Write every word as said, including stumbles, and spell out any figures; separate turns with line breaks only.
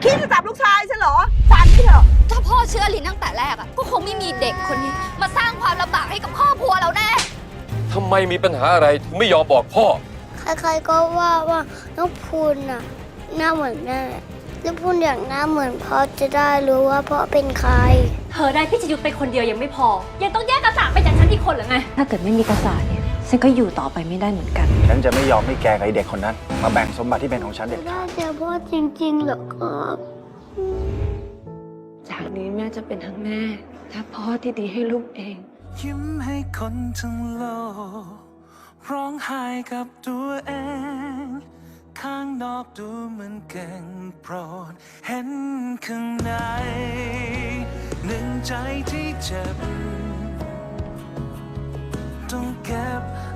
คิดจะจับลูกชายฉันเหรอฟันพี่เถอะ
ถ้าพ่อเชื่อลินตั้งแต่แรกอะก็คงไม่มีเด็กคนนี้มาสร้างความลำบากให้กับครอบครัวเราแน่
ทำไมมีปัญหาอะไรถึงไม่ยอมบอกพ่อ
ใครๆก็ว่าว่าน้องพูนน่ะหน้าเหมือนแม่แล้วพูนอยากหน้าเหมือนพ่อจะได้รู้ว่าพ่อเป็นใคร
เธอได้พี่จะยุทธไปคนเดียวยังไม่พอยังต้องแยกกระสาไปจากฉันอีกคนหรือไง
ถ้าเกิดไม่มีกระสาเนี่ยฉันก็อยู่ต่อไปไม่ได้เหมือนกัน
ฉันจะไม่ยอมให้แกกับไอเด็กคนนั้นมาแบ่งสมบัติที่เป็นของฉันเด็ดขาด
ได้เจอพ่อจริงๆเหรอครับ
จากนี้แม่จะเป็นทั้งแม่และพ่อที่ดีให้ลูกเอง
ยิ้มให้คนทั้งโลกร้องไห้กับตัวเองข้างนอกดูเหมือนเก่งโปรดเห็นข้างในหนึ่งใจที่เจ็บต้องเก็บ